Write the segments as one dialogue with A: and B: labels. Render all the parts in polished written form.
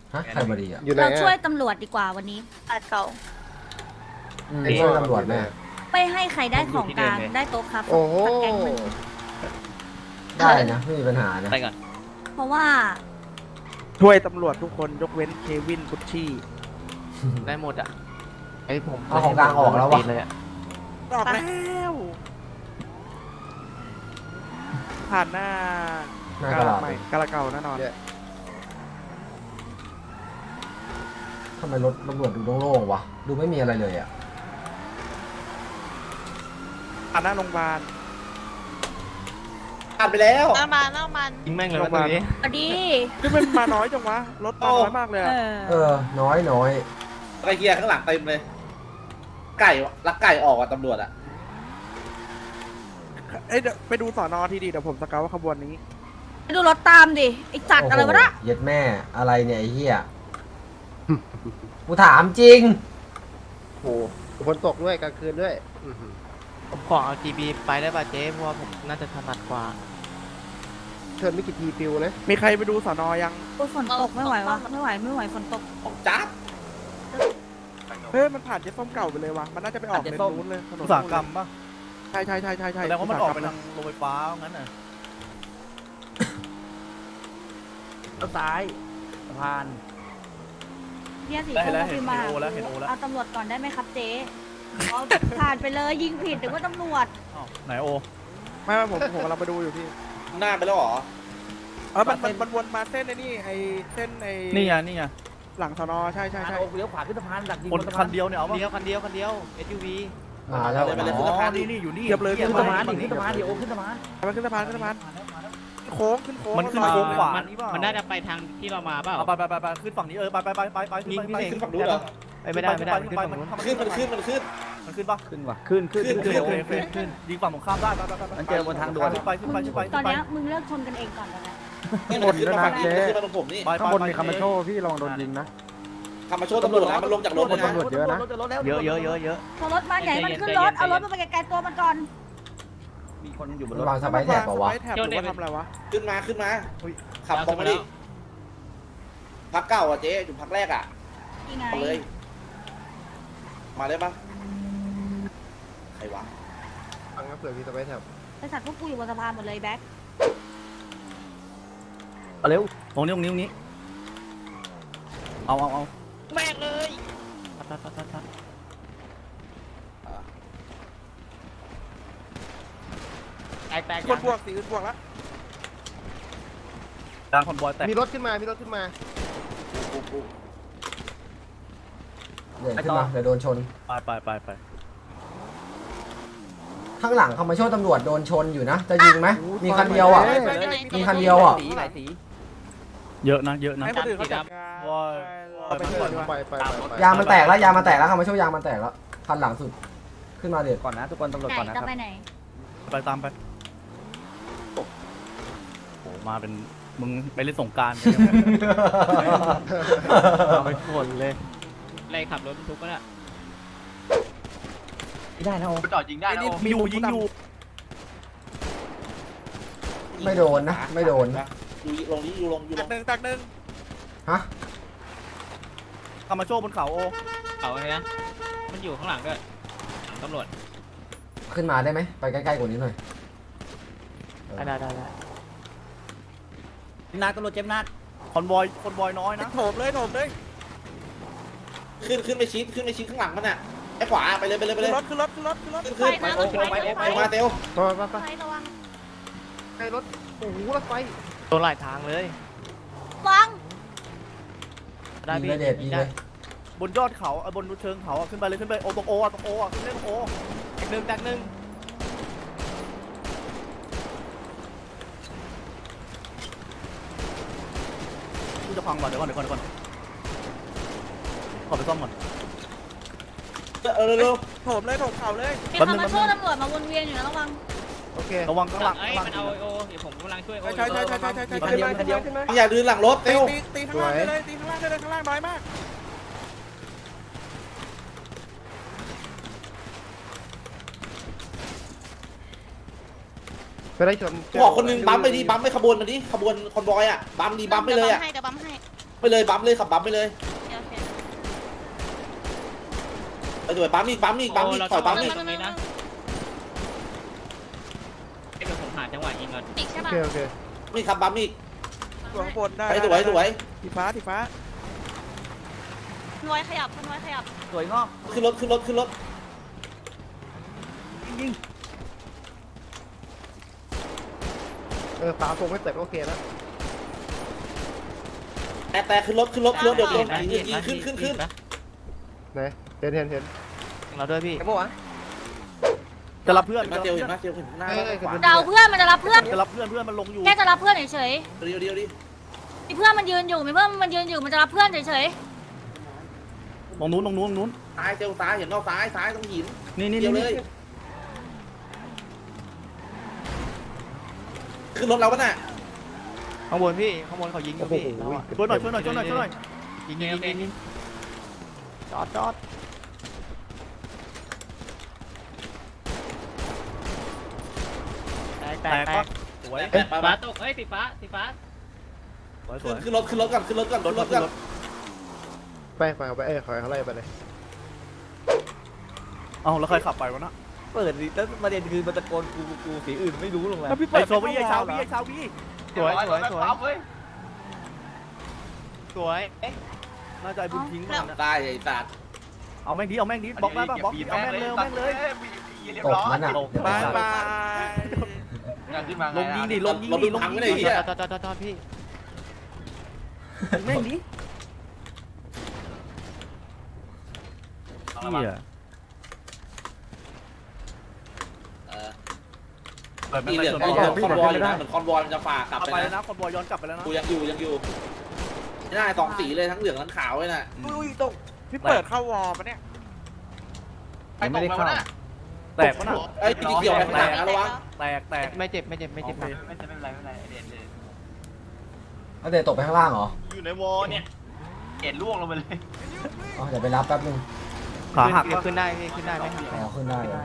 A: ฮะใครมาดีอ่ะ
B: อยู่ไหน
C: เราช่วย
B: อะ
C: ตำรวจดีกว่าวันนี้อาจเก่า
A: ช่วยตำรวจแม่
C: ไม่ให้ใครได้ของกลางได้โต๊ะครับ
B: โอ้โห
C: สักแก๊งหนึ่ง
A: ได้นะไม่มีปัญหานะ
D: ไปก่อน
C: เพราะว่า
E: ช่วยตำรวจทุกคนยกเว้นเควินกุชชี่
D: ได้หมดอ่ะ
F: ไอ้ผม
A: เอาของกลางออกแล้ววะ
F: เลยอะ
E: ออกแล้วผ่านหน้า
A: หน้ากระดาษ
E: ใหม่กาลาเก่าแน่นอน
A: ทำไมรถตำรวจดูโล่งๆวะดูไม่มีอะไรเลยอ่ะ
E: ผ่านหน้าโรงพยาบาล
G: ผ่านไปแล้ว
C: น้ำมัน
D: ยิงแม่งเลยว่าตรงนี้
C: พอดี
E: นี่มันมาน้อยจังวะรถมาน้อยมากเลยอะ
A: น้อย
G: ไอ้เฮียข้างหลังเต็มเลย ไก่ลักไก่ออกอ่ะตำรวจอ่ะ
E: เอ้ยเดี๋ยวไปดูสอนอทีดีเดี๋ยวผมสเกาว่าขบวนนี้
C: ไปดูรถตามดิไอ้จัดอะไรวะนะ
A: เย็ดแม่อะไรเนี่ยไอ้เหี้ยกูถามจริง
B: โอ้โหฝนตกด้วยกลางคืนด้วยอื้อหือ
D: ผมขอเอา GB ไปได้ป่ะเจ๊เพราะว่าผมน่าจะถนัดกว่า
B: เชิญไม่กี่ทีฟิวนะ
E: มีใครไปดูสอนอยัง
C: โอ้ยฝนตกไม่ไหววะไม่ไหวฝนตก
G: ของจ๊าบ
E: เฮ้ยมันผ่านเจ๊ส้มเก่าไปเลยวะมันน่าจะไปออกเลนนู้นเลยถนน
H: อุตสาหกรรมป่ะ
E: ใช่
H: แสดงว่ามันออกไปทางโรงไฟฟ้างั้นน่ะ
F: แล้วซ้ายสะพาน
C: เนี่ยสี
H: ได้
C: ส้ม
H: แล้ว
C: ก็
H: เห็
C: พิ
H: น
C: มพ์มา
H: โอแล้วเห็นโอแล้ว
C: เอาตำรวจก่อนได้ไหมครับเจ๊เอาผ่านไปเลยยิงผิดหรือว่าตำรวจ
H: อ้าวไหนโอ
E: ไม่ผมกำลังไปดูอยู่พี่
G: หน้าไปแล้วเหรอ
E: มันวนมาเส้นไอ้นี่ไอ้เส้นไอ้
H: นี่ไงนี่ไง
E: หลังสอนอใช่
F: โอ้เลี้ยวขวาขึ้นสะพานดักยิง
H: คน
F: สะพา
H: คันเดียวเนี่ยเอาป่ะ
D: คันเดียว SUV
A: มาแล้ว
G: ไปเลย
H: อ๋อนี่อยู่นี่
E: เทียบเลย
H: หี้
F: ขึ้น
H: มา
F: สะพาน
H: ฝั่
F: ดิ
H: ง
F: ขึ้นสะพานดิโอ้ขึ้นสะพาน
E: มาขึ้นสะพานโค้งขึ้นโค้ง
H: มันขึ้นโค้งขวา
D: มัน
H: นี่เปล่า
D: มันน่าจะไปทางที่เรามาเปล่า
H: เอาไปขึ้นฝั่งนี้ไปขึ้น
D: ยิง
H: ไป
D: พี่เอง
G: ขึ้นฝั่งนู้นเหรอ
D: ไม่ได้ขึ้นฝั่งนู้น
G: ขึ้นมันขึ้น
H: มันขึ้นป่ะ
F: ขึ้นว่ะขึ้น
G: ขึ้น
H: ขึ้นยิงฝั่งตรงข้ามได้ไป
F: มันเจอบนทางด่วน
H: ขึ้นไป
C: ตอนเนี้ยมึงเลิกชนกันเองก่อนแล้วนะ
G: นี่มันขึ้นมาฝั่งนี้มันขึ้นมาตรงผมนี่
H: ข้างบนมีคามาโช
F: พี่ลองโดนยิงนะ
G: ทำมาโชว์ตำรวจนะมันลงจากรถเลยนะ
F: เยอะนะ
D: เยอะ
C: พอรถมาไหนมันขึ้นรถเอารถมันไปไกลๆตัวมันก่อน
F: มีคนอยู่บนร
A: มัน
F: ถ
A: วางสไปร์แท็บเปล่าวะ
E: สไปร์แท็บหรือว่าทำอะไรวะ
G: ขึ้นมาขับตรงมาดิพักเก่าอ่ะเจ๊อยู่พักแรกอ่ะ
C: ยังไง
G: เอาเลย มาได้ปะใครวะ
B: ฟังครับเผื่อมีสไปร์แท็บ
C: บริษัทพวกกูอยู่บนสะพานหมดเลยแบ็ค
F: เอาเร็ว
H: ตรงนี้เอา
D: แม่งเลย แตก
E: คนบวกสีอื่นบวกแล้ว
H: ดังคอนบอยแตก
B: มีรถขึ้นมา
A: เดี๋ยวขึ้นมาเดี๋ยวโดนชน
H: ไป
A: ข้างหลังเขามาช่วยตำรวจโดนชนอยู่นะ จะยิงไหมมีคันเดียวอ่ะ มีคันเดียวอ่ะ
F: หลายสี
H: เยอะนะ
E: ให้คนอื่นเขาจัดการ
H: ว้าย
E: เอาไปก่อนดีกว่า
B: ไป
A: ยางมันแตกแล้วเขามาช่วยยางมันแตกแล้วคันหลังสุดขึ้นมาเด็ด
F: ก่อนนะทุกคนตำรวจ
C: ไหน
F: ก่อนนะค
C: จะ
F: รับ
C: ไปไหน
H: ไปตามไปโอ้มาเป็นมึงไปเล่นสงกราร
F: เอาไปคนเลย
D: ไล่ขับรถบรรทุกก็ได้
F: ไม่ได้นะโอ้
D: จอดยิงได้นะ
H: มีอยู่ยิงอยู่
A: ไม่โดนนะ ไม่โดน
G: อยู่ลงนี้อยู่ลง
E: ตักหนึ่ง
A: ฮะ
H: คามาโชบนเขาโอ
D: เขาไงนะมันอยู่ข้างหลังด้วยหลังตำรวจ
A: ขึ้นมาได้ไหมไปใกล้ๆกว่านี้หน่อย
D: ได้
F: นักตำรวจเจ็บนัก
H: คอนบอยน้อยนะ
E: โถมเลย
G: ขึ้นไปชิดข้างหลังมันอ่ะไอ้ขวาไปเลย
E: ขึ้นรถ
G: ขึ้น
C: ไฟนะรถไฟ
G: มาเตล
B: ไป
C: ไฟระวัง
B: ไปรถโอ้โหรถไฟ
D: โดนหลายทางเลยว
C: าง
A: ยิงเลยเด็ดยิงเลย
H: บนยอดเขาบนเชิงเขาขึ้นไปเลยขึ้นไปโอตรงโอขึ้นเล่นโอ
D: แตกหนึ่ง
H: กูจะพังก่อนเดี๋ยวก่อนขอไปซ่อมก่อน
G: เร็ว
E: โถมเข่าเลย
C: มีคำมาช่วยตำรวจมาวนเวียนอยู่นะระวัง
B: โอเค
H: ระวังข้างหลัง
D: เอ้ยมันเอาโอเดี๋ยวผมกำลังช่วยโอ
E: ใช่
B: ขึ้นมา
G: อย่าดื้อหลังรถเตล
E: ตีข้างล่างได้เลยตีข้างล่างได้เลยข้างล่างน้อยมาก
B: ไปได้ชน
G: บอกคนนึงบัมไปดิบัมไปขบวนมันดิขบวนคอนบอยอ่ะบัมดีบัมไปเลยอ่ะ
C: เดี๋ยวบัมให้
G: ไปเลยบัมเลยขับบัมไปเลย
C: เดี๋ยวเดี๋ยว
G: ไปด้วยบัมอีกถอยบัมอีก
C: ตรงนี้นะ
F: เดี๋ยวผมหาจังหวะยิงก่อน
C: ติกใช่
B: โอ
C: ป่ะ
B: เคโอเค
G: นี่ขับบัมอีก
E: ตัวข้างบนได้
G: ไปสวย
E: สีฟ้าสีฟ้า
C: น้อยขยับน้อยขยับ
F: สวยงอก
G: ขึ้นรถ
F: ยิง
B: ฝาโปงไม่เสร็จโอเคแล้ว
G: แต่ขึ้นรถเดี๋ยวโดนยิงขึ้น
B: ไหนเห็น
D: เราด้วยพี่
A: ไอ้พวกวะ
H: จะรับเพื่อน
G: มาเจียวเห็นหน้าขวา
C: เดาเพื่อนมันจะรับเพื่อน
H: จะรับเพื่อนมันลงอยู่
C: แค่จะรับเพื่อนเฉย
G: เดียวดิ
C: ๆมีเพื่อนมันยืนอยู่มันจะรับเพื่อนเฉย
H: ตรงนู้น
G: ซ้ายเจียวซ้ายเห็นนอกซ้ายตรงหิน
H: นี่
G: เดียวเลยขึ้นรถเราปะน่ะ
D: ข้างบนพี่ข้างบนเขายิงอยู่พี่
H: ช่วยหน่อย
D: ยิงจอด แตก
H: สวย
G: ไป
F: ฟ้าตกเฮ้ยสีฟ้า
G: ขึ้นรถก่อน
B: ไปขอยเขาไล่ไปเลย
H: เอาแล้วใครขับไปวะนะ
F: เปิดดิแล้วประเด็นคือมันตะโกนกูสีอื่นไม่รู้ลงแล้ว
E: แล้วพี่
H: ไอ้
E: เปิด
H: โซวี่ไอ้ชาววี่
D: สวย
H: น่าจะไอ้บุญทิ้งมัน
G: ได้ไอ้สัตว์
H: เอาแม่งดิบล็อกได้ป่ะบล็อกเอาแม่งเลย
A: ตกมันอ่ะ
E: บายบาย
H: ลงยิงดิ
G: รถพังไม่ได้เหี้ย
D: จอดพี่
H: แม่งดิเหี้ย
G: มีเหลืองคอนวอยอยู่นะเหมือนคอนวอยมันจะฝ่ากลับ
H: เอา
G: ไป
H: ไปแล้ว
G: นะ
H: นะคนบอยย้อนกลับไปแล้วนะ
G: กูยังอยู่ไม่ได้สองสีเลยทั้งเหลืองทั้งขาวเลยน่ะ
E: อุ้ยตกพี่เปิดเข้าวอลปะเนี่ย
F: ยังไม่ได้เข้า
H: แตกปะน่ะ
G: ไอ้ที่เกี่ยวไปข้างหลังนะระวัง
H: แตก
D: ไม่เจ็บ
F: ไม่เป็นไรเด็ดเลย
A: เอาเดี๋ยวตกไปข้างล่างเหรอ
F: อยู่ในวอเนี่ยเห็นล่วงลงไปเลย
A: อ๋อเดี๋ยวไปรับแป๊บนึง
H: ขาหัก
D: ขึ้นได้พี่ขึ้นได้ไหม
A: อ๋อขึ้นได้เลย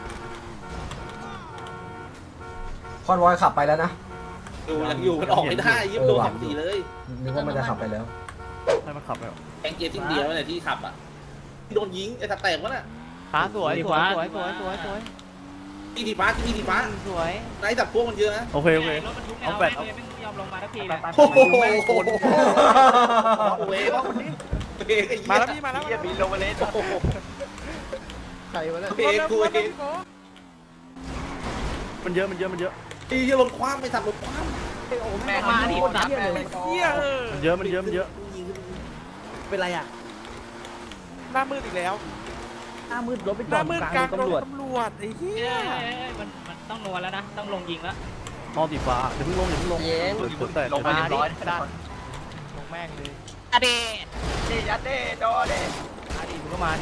A: คอนวอยขับไปแล้วนะ
G: ยังอยู่มันออกไม่ได้ยิบโดนสองสีเลย
A: นึกว่ามันจะขับไปแล้ว
H: ให้มันขับแล้ว
G: แองเกียร์ทิ้งเดียวเนี่ยที่ขับอ่ะโดนยิงไอ้ตาแตกวะน่ะ
D: ขาสวย
G: ที่ดีฟ้า
D: สวย
G: นายจับพวกมันเยอะนะ
H: โอเค
F: รถบรรทุกไม่ยอมลงมาทักทีเลย
G: โอ้โห
H: เว้ยคนนี้
E: มาแล้วพี่มาแล้ว
F: บินลงมาเลย
B: ใครวะเนี่ย
G: เพกูเอง
H: มันเยอะ
G: ไอ้เหี้ยรถคว้าไม่ทันรถคว้า
F: แม่มาดิสัตว์
E: เฮีย
H: มันเยอะ
F: เป็นไรอ่ะ
E: หน้ามืดอีกแล้ว
F: หน้ามืดรถไป
E: ห
F: จอ
E: น้า
F: ด
E: มืด
F: กลาง
E: กลาง
F: ตำรวจ
E: ตำรวจไอ้เฮีย
F: มันต้องนัวแล้วนะต้องลงยิงแล้ว
H: นอนสีฟ้าเดี๋ยวเพิ่งลงแต่
F: ลงมาเรียบร้อย
D: ลงแม่งเลย
F: อเดยัดเดโดเด
D: มาดิมึงก็มาดิ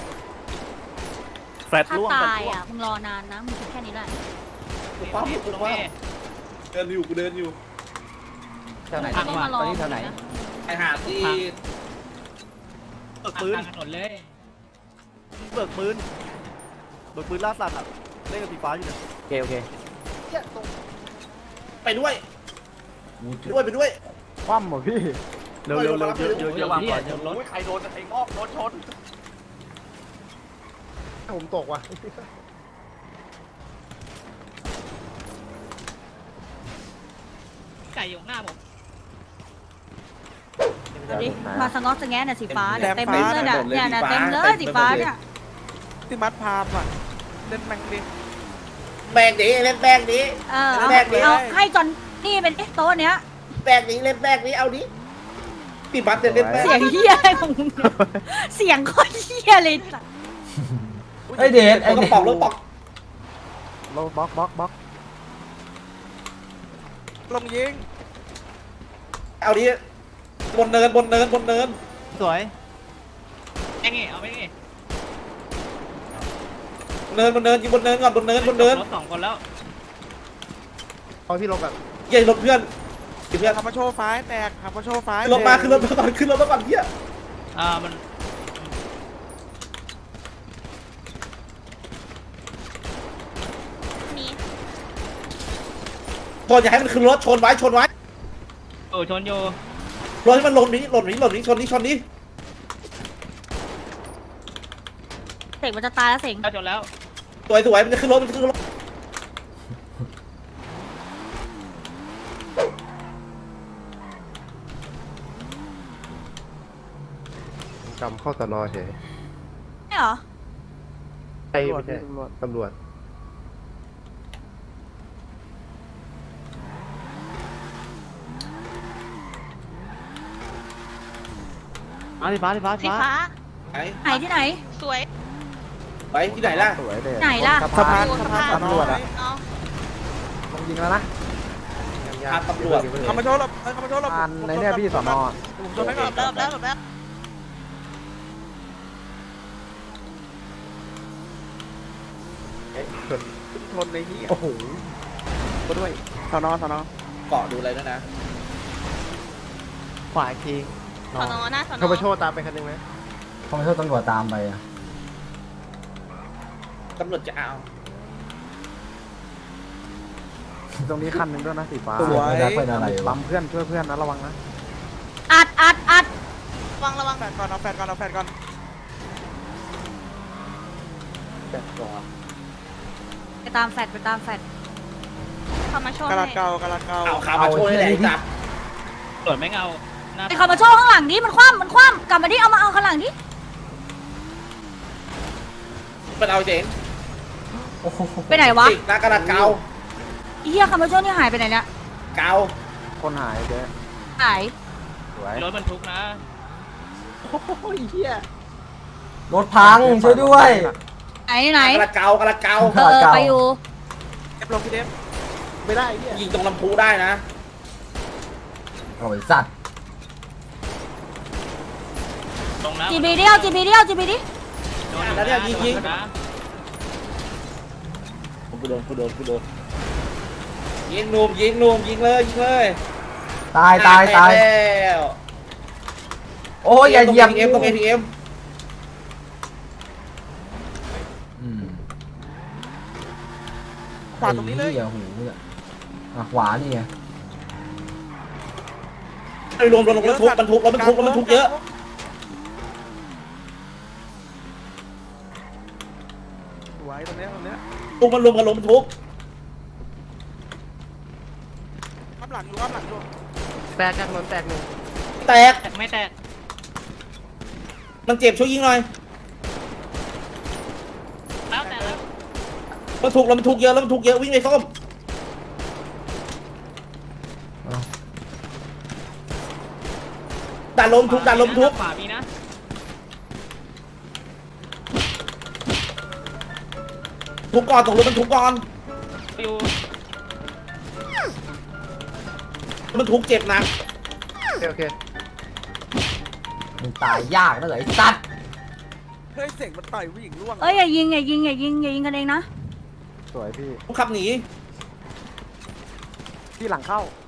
H: แฟด
C: ๆถ้า
H: ล่วง
C: ตายอ่ะมึงรอนานนะมึงแค่นี้แหละ
G: คว้าเดินอยู่
F: แถวไหน
C: ต้องมารอ
F: ตอนนี้แถวไหน
G: ไอ้หาที่
H: เบิกปืน
F: ถนนเลย
H: เบิกปืนล่าสัตว์อ่ะเล่นกับสีฟ้าอยู่เนี่ย
F: โอเค
G: ไปด้วย
B: คว่ำเหรอพี่
H: เร็วเยอะ
F: ระวังก่อนรถ
H: ใครโดนไอ้งอกโดนชน
B: ผมตกว่ะ
F: ไก่อยู่หน้าผม
C: ดูดิมาสงอสงแงน่ะสีฟ้าเนี่ยเต็มเลยเนี่ยเต็มเลยสีฟ้าเนี่ย
E: ที่มัดพามอ่ะเล่นแมงดิ
G: แบกดิเล่นแบกดิ
C: เอาให้จอนนี่เป็นโต๊ะเนี้ย
G: แบกดิเล่นแบกดิเอาดิพี่บัตเล่นแบก
C: เสียงเฮียอะไรของมึงเนี่ยเสียงโคตรเฮียเลย
A: ไอเดชไอ
G: รถ
A: เด
G: ปอก
A: ช
G: รถปอก
B: เราบล็อก
E: ลงยิง
G: เอาดิบนเนิน
D: สวย
F: ไอ้เงี้ยเอาไม่เงี้ย
G: เนินยิงบนเนินก่อนบนเนิน
F: รถสองคนแล้ว
B: เอาพี่ลงแบบ
G: เย้รถเพื่อนเพื่อน
E: ทำมาโชว์ไฟแตกทำมาโชว์ไฟ
G: ขึ้นรถมาก่อนเฮีย
F: มัน
C: นี่
G: บอลอย่าให้มันขึ้นรถชนไว้
F: ชนอยู่
A: เท
G: รถให้มันหล่นนี้ชนนี้
C: เสกมันจะตายแล้วเสก
F: จนแล้ว
G: สวยมันจะขึ้นรถ
B: จำเข้าสนอเฉย
C: ไม่เหรอ
B: ไอ้ไม่ใช่ตำรวจ
D: สีฟ้า
C: สีฟ้า
G: ไหน
C: ไหนที่ไหน สวย
G: ไปที่ไหนล่ะ
B: สวยเลย
C: ไหนล่ะ
E: สะพาน
C: ดู
E: ตำรวจอะ
C: เอา
A: ต้องยิงแล้วนะ
G: พาตำรวจ
E: เขามาโชว์เราเขามาโชว์เรา
A: ในเนี่ยพี่สอนอ
E: ผมชนให้ก่อน
C: เริ่มแล้ว
E: ชนในนี้โอ้โหก็ด้วยสอนอ
G: เกาะดูอะไรด้วยนะ
D: ขวาอีกที
C: สอนอหน้าสอนอ
B: เขาไปโชว์ตามไปคันนึงไหม
A: เขาไม่ใช่ตำรวจตามไปอะ
G: ตำรวจจะเอา
A: ตรงนี้คันหนึ่งด้วยนะสีฟ้า
E: สวย
A: ไม่ได้เป็นอะไรปั๊มเพื่อนช่วยเพื่อนนะระวังนะ
C: อัดระวัง
E: แฟดก่อนเอาแฟดก่อน
C: ไปตามแฟดเขามาโชว์
E: กระ
C: ให้
E: ดาษเก่า
G: เอาขามาโชว์ให้ไหนจับ
F: ตรวจไม่เอาหน้า
C: ไอ้เขามาโชว์ข้างหลังดิมันคว่ำกลับมาดิเอามาเอาข้างหลังดิ
G: มันเอาเจ๋ง
A: โอ้โห
C: ไปไหนวะ
G: ติดหน้ากระดาษเกา
C: ไอ้เหี้ยเขามาโชว์นี่หายไปไหนเนี่ย
G: เกา
A: คนหายเจ๊
C: หาย
A: สวย
F: รถบรรทุกนะ
A: รถพังช่วยด้วย
C: ไหน
G: กระดาษเกากระดาษเกา
C: ไปอยู่
E: เอฟลงพี่เดฟ
B: ไม่ได้เนี่ย
G: ยิงตรงลำพูได้นะ
A: โอ้ยสัตว์
F: ตรงนะ
C: จีบีเดียว
F: โดน
G: แล้วเนี่ยยิง
F: นะ
G: กูโดนยิงหนุ่มยิงเลย
A: ตาย
G: แล้ว
A: โอ้ยอย่าเหยียบ
G: ตรง ATM
A: อืม
E: ขวาตรงนี้เลย
A: ไอ้หี้หูเนี่ยอ่ะขวานี่ไง
G: ไอ้รวมบรรทุกเยอะ
E: สวยตรงเนี้ย
G: ตุกมันรวมกันรถบรรทุก
E: อ้ามหลังอยู่
B: แตกกันถนนแตกหนึ่ง
G: แตก
F: ไม่แตก
G: มันเจ็บช่วยยิงหน่อย
F: แล้วแต่แล้ว
G: บรรทุกเยอะวิ่งไปส้มดันลมทุก
F: ขวามีนะ
G: ทุกก่อนตรงรถบรรทุกก่อน
F: อยู่
G: บรรทุกเจ็บหนัก
B: โอเค
A: มันตายยากนะเหรอไอ้สัตว์
E: เฮ้ยเสียงมันต่อยผู้หญิงร่วง
C: เอ้ยอย่ายิงกันเองนะ
A: สวยพี่
G: ต้องขับหนี
A: พี่หลังเข้า